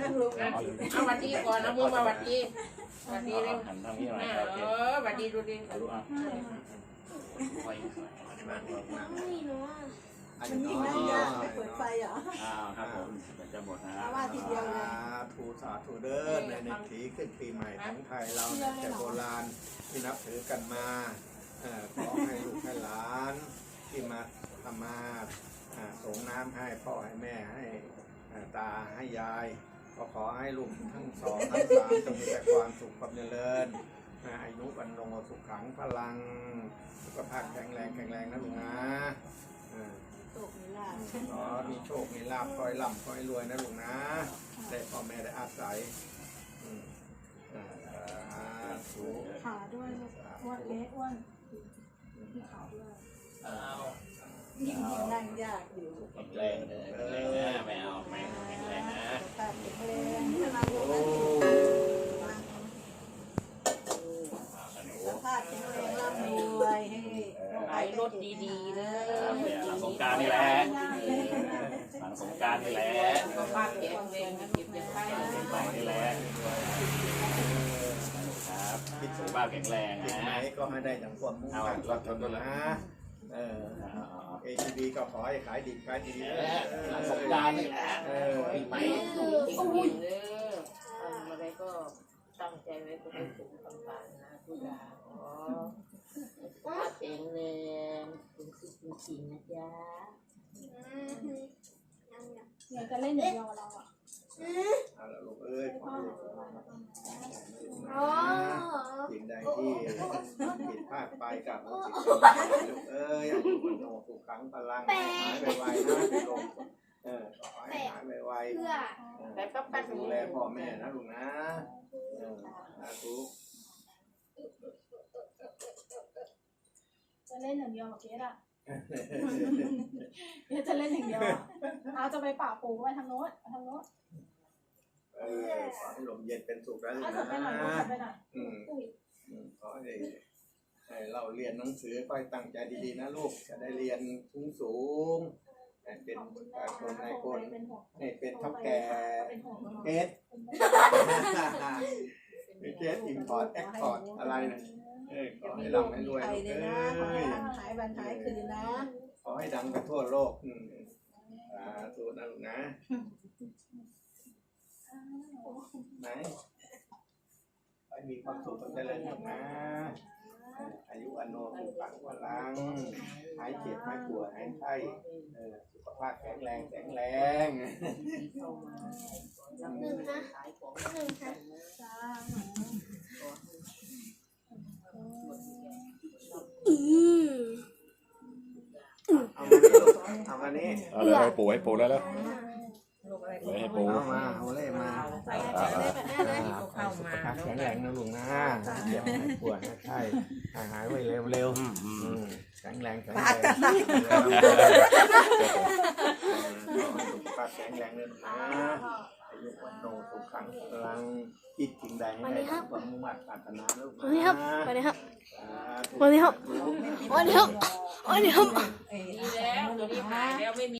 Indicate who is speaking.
Speaker 1: เอาวัดดีก่อนเอามือมาวัดดีวัดดีเร็ว
Speaker 2: หันทางนี้หน่อยโอเค
Speaker 1: วัดดีดูดิ
Speaker 2: รู้อ่ะไฟ
Speaker 3: ไม่รู้
Speaker 4: มันยิ่งน่ายากเปิดไฟเหรอ
Speaker 2: ครับผมจะหมดนะ
Speaker 4: ว่าทีเดียวเลย
Speaker 5: ถูสาธุเดินในปีขึ้นปีใหม่ของไทยเราเนี่ยแต่โบราณที่นับถือกันมาขอให้ลูกให้หลานที่มาทำมาส่งน้ำให้พ่อให้แม่ให้ตาให้ยายก็ขอให้ลูกทั้งสองทั้งสามจงมีแต่ความสุขความเจริญอายุวันลงสุขขังพลังสุขภาพแข็งแรงนะลูกนะขอมีโชคมีลาภคอยร่ำคอยรวยนะลูกนะได้พ่อแม่ได้อาศัย
Speaker 4: ขาด้วยอ้วนเล็กอ้วนที่ขาด้วยยิ่งนั่งยากอยู่
Speaker 2: แข็งแรงนะไม่เอาไม่แข็งแรงนะ
Speaker 4: แต่แข็งแรงนี่เราสภาพแข็งแรงร่ำรวยให้
Speaker 1: ขายรถดีๆเลย
Speaker 2: หลังสงการนี่แหละหลังสงการนี่แหละ
Speaker 1: ก็บ้านแข็งแรงนะเก็บเงินไข่
Speaker 2: ไปนี่แหละครับสุขภาพแข็งแรง
Speaker 5: ที่
Speaker 2: นะ
Speaker 5: ไหนก็ให้ได้อย่างความมุ่งมั่นรักกันด้วยนะATB ก็ขอให้ขายดีขายดี
Speaker 2: หลังสงการนี่แหละปีใหม่
Speaker 1: อุ้ยเลยทำอะไรก็ตั้งใจไว้ก็เป็นสุขต่างๆนะทุกอย่างขอสุขภาพแข็งแรงเป็นสิ่งจริงนะจ๊ะ
Speaker 4: อยากจะเล่นอย่างเดียวเราอ่ะ
Speaker 5: เอาละลูกเอ้ยขอลูกสิ่งใดที่ผิดพลาดไปกับลูกลูกเอ้ยอายุวันโนสุขขังพลังหายไวๆนะลงขอให้หายไวๆ
Speaker 1: แต่ก็ปั้น
Speaker 5: ดูแลพ่อแม่นะลูกนะสาธุ
Speaker 4: จะเล่นอย่างเดียวกับเกดอ่ะเกดจะเล่นอย่างเดียวเอาจะไปป่าปูไปทางโน้นทางโน้น
Speaker 5: ขอให้ลมเย็นเป็นสุขนะลูก
Speaker 4: เอาไปหน่อย
Speaker 5: นะ
Speaker 4: เอาไปหน่อย
Speaker 5: ขอให้เราเรียนหนังสือค่อยตั้งใจดีๆนะลูกจะได้เรียนสูงเป็นคนในคนให้เป็นเท่าแก่เกสเกสอิมพอร์ตแอคพอร์ตอะไรนะขอให้ร่ำให้รวยลูกเอ้ย
Speaker 4: หายวันหายคืนนะ
Speaker 5: ขอให้ดังไปทั่วโลกสาธุนะลูกนะไหนให้มีความสุขความเจริญลูกนะอายุอันโนสุขังพลังหายเจ็บหายป่วยหายไข้สุขภาพแข็งแรง
Speaker 3: หนึ่งนะ
Speaker 5: เอามานี่
Speaker 2: เอาเลยให้ปูแล้วแล้วให้ปู
Speaker 5: เอาเลยมาสุขภาพแข็งแรงนะลุงนะเจ็บหายป่วยหายไข้หายไวเร็วแข็งแรงสุขภาพแข็งแรงเลยนะอายุวันโนสุขังพลังจิตจริงใดให้ได้ความมุ่งมั่นปรารถนาลูกนะ
Speaker 3: วันนี้ครับวันนี้ครับวันนี้ครับวันนี้ครับวันนี้ครับ
Speaker 1: ดีแล้วตัวนี้หายแล้วไม่มี